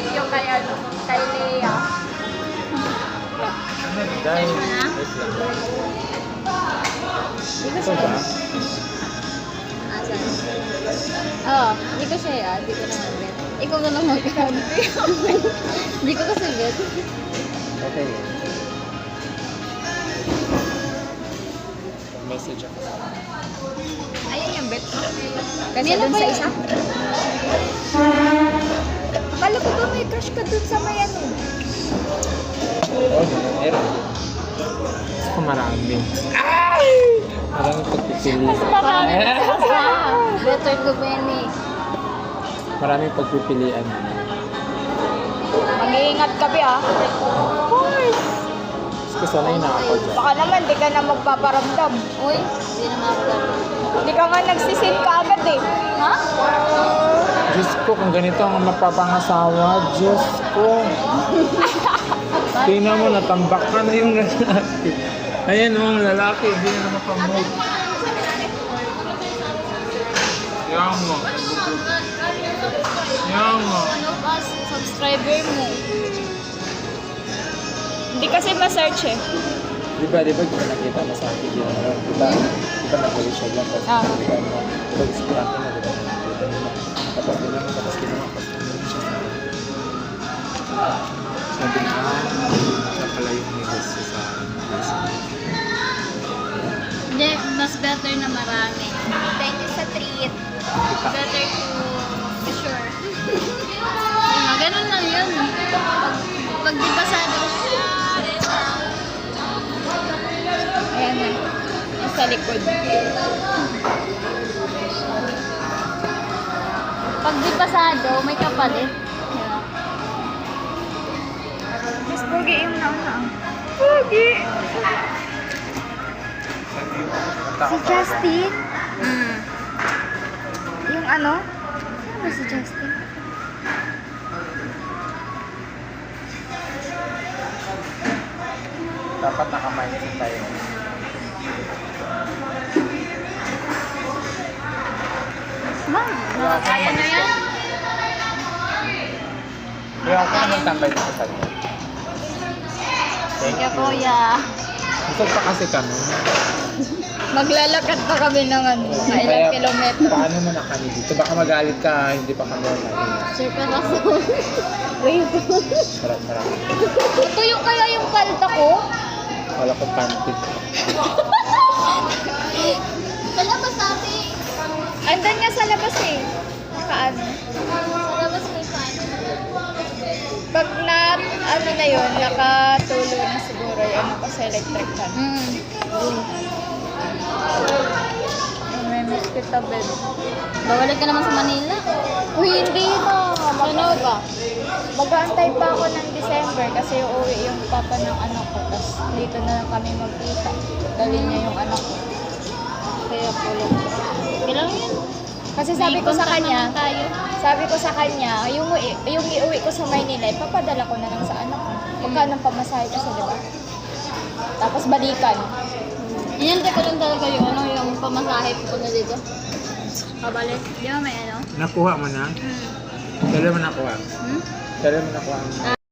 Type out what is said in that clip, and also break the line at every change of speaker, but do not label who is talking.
Yung kay ano, kay Lea.
Dahil,
Hindi ko
ito ba?
Asan? Oo, hindi ko siya yan. Hindi ko naman bet. Ikaw na lang mag-count. Hindi ko kasi bet.
Okay. Message ako.
Ayun yung bet mo. Kasi
Kanina
dun
pa
sa
yun.
isa. Akala ko ba may crush ka dun sa may ano?
Oo, meron. Gusto ko marami. Maraming pagpipili.
Marami ka. Better to Benny.
Maraming pagpipilian.
Mag-iingat ka ba? Of course.
Gusto ko sanay na ako dyan.
Baka naman, di ka na magpaparamdam. Uy, hindi na makaparamdam. Hindi ka nga nagsisim ka agad eh. Ha?
Diyos ko, kung ganito ang mapapangasawa, Diyos ko. Tingnan mo, natambak ka na yung lalaki. Ayan mo, lalaki, hindi na mapamove. Yan mo. Yan mo.
Ano ba subscriber mo? Hindi kasi ma-search eh.
Di ba kita nakita na sa akin yun? Di ba nag-ulit siya lang? Tapos,
Ah.
di ba, pag-isipin natin na, di ba, nakita nila. Tapos, ginawa, tapos ginawa siya sa akin. Sabi niya, siya pala yung negosyo sa
Hindi, mas better na marami.
Thank you sa treat.
Better to be sure. Ganun lang yun. Pag di basado,
Ayan na. Yung sa likod.
pag di basado, may kapalit.
Mas pogi yung nauna. Pogi! Si Justin? Yung ano? Ano si Justin?
Dapat naka-mindset tayo.
Ma'am,
Kaya na yan.
Kaya ako naman tambay dito sa inyo. Thank
Kaya
you.
kuya.
Gusto pa kasi kami.
maglalakad pa kami ng ano, mga
Kaya,
ilang kilometro.
paano mo na kami dito? Baka magalit ka, hindi pa kami online.
Sir Corazon. Wait.
Sarap.
Ito yung kaya yung palta ko?
Wala ko panty.
Palabas natin.
Andan nga sa labas eh. Nakaano.
Palabas may fan.
Pag na, ano na yun, nakatulo na siguro yung ano ko sa electric fan. May miss kita, babe.
Bawalik ka naman sa Manila.
Uy, hindi na. Ano ba? Mag-aantay pa ako ng December kasi uuwi yung papa ng anak ko. Tapos dito na lang kami magkita. Dali niya yung anak ko. Kaya pulong.
Kailan yan?
Kasi sabi ko sa
May
kanya,
contact naman tayo.
sabi ko sa kanya, yung iuwi ko sa Maynila, ipapadala ko na lang sa anak ko. Magkano ang pamasahe kasi, di ba? Tapos balikan.
Inantay ko lang talaga yung ano, yung pamasahe ko na dito. Pabalik. Di ba may ano?
Nakuha mo na? Kailan mo nakuha?
Hmm?
Kailan mo nakuha?